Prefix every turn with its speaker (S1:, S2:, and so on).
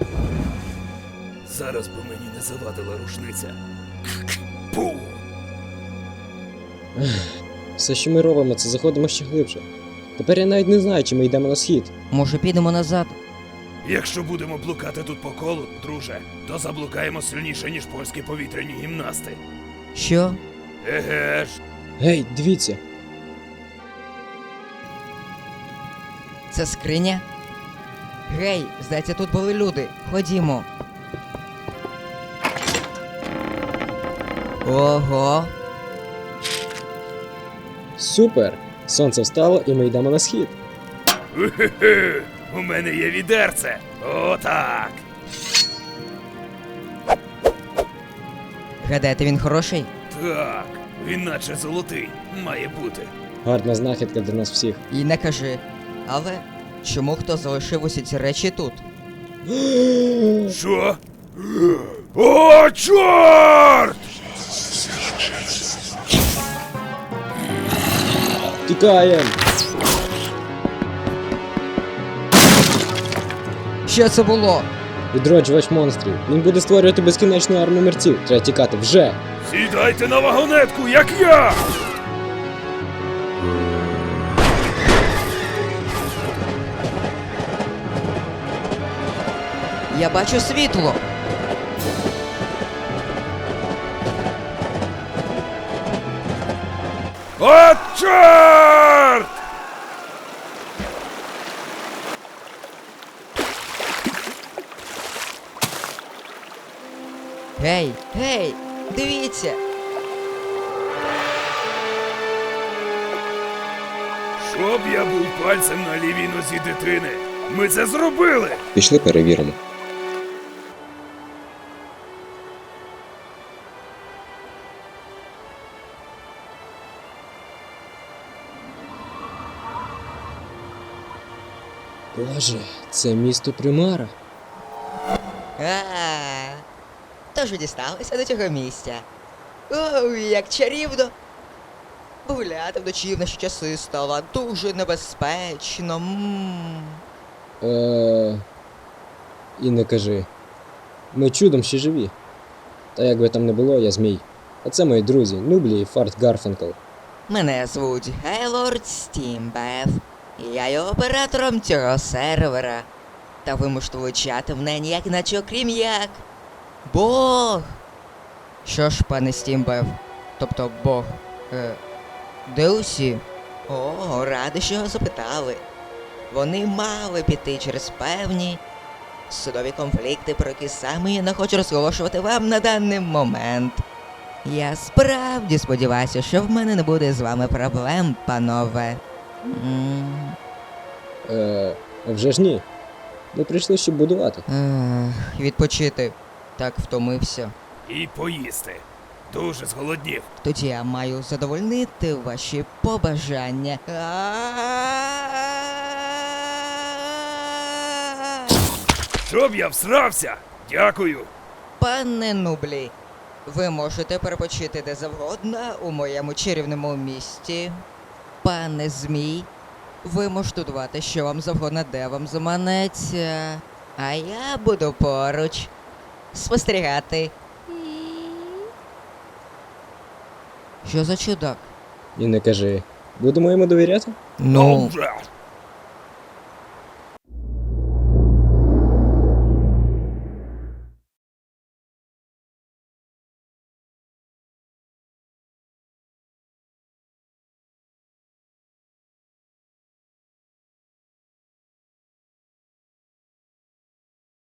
S1: Зараз би мені не завадила рушниця. Пу!
S2: Все, що ми робимо, це заходимо ще глибше. Тепер я навіть не знаю, чи ми йдемо на схід.
S3: Може, підемо назад?
S1: Якщо будемо блукати тут по колу, друже, то заблукаємо сильніше, ніж польські повітряні гімнасти.
S3: Що?
S1: Еге ж.
S2: Гей, дивіться!
S3: Це скриня? Гей, здається, тут були люди. Ходімо. Ого.
S2: Супер! Сонце встало і ми йдемо на схід.
S1: Ухе-хе! У мене є відерце. Отак.
S3: Гадаєте, він хороший?
S1: Так. Він наче золотий. Має бути.
S2: Гарна знахідка для нас всіх.
S3: І не кажи. Але чому хто залишив усі ці речі тут?
S1: Що? О, чорт!
S2: Тікаєм!
S3: Що це було?
S2: Відроджувач монстрів. Він буде створювати безкінечну армію мерців. Треба тікати вже!
S1: Сідайте на вагонетку, як я!
S3: Я бачу світло.
S1: От чорт!
S3: Гей, гей, дивіться.
S1: Щоб я був пальцем на лівій нозі дитини. Ми це зробили!
S2: Пішли перевіримо. Боже, це місто Примара.
S3: Тож ви дісталися до цього місця. Оу, як чарівно. Гуляти вночі в наші часи стало дуже небезпечно.
S2: І не кажи. Ми чудом ще живі. Та як би там не було, я змій. А це мої друзі, Нублі і Фарт Гарфанкл.
S3: Мене звуть Гейлорд Стімбеф. Я є оператором цього сервера. Та ви можете влучати в неї ніяк іначе окрім як Бог. Що ж, пане Стімбеф, тобто Бог, де усі? О, радий, що його запитали. Вони мали піти через певні судові конфлікти, про які саме я не хочу розголошувати вам на даний момент. Я справді сподіваюся, що в мене не буде з вами проблем, панове.
S2: А вже ж ні. Ми прийшли, щоб будувати.
S3: Відпочити. Так втомився.
S1: І поїсти. Дуже зголоднів.
S3: Тоді я маю задовольнити ваші побажання.
S1: Щоб я всрався! Дякую!
S3: Пане Нублі, ви можете перепочити де завгодно у моєму чарівному місті. Пане Змій, ви можете дувати, що вам завгодно, де вам заманеться. А я буду поруч спостерігати. Що за чудак?
S2: І не кажи. Будемо йому довіряти?
S3: Ну,
S1: Вже!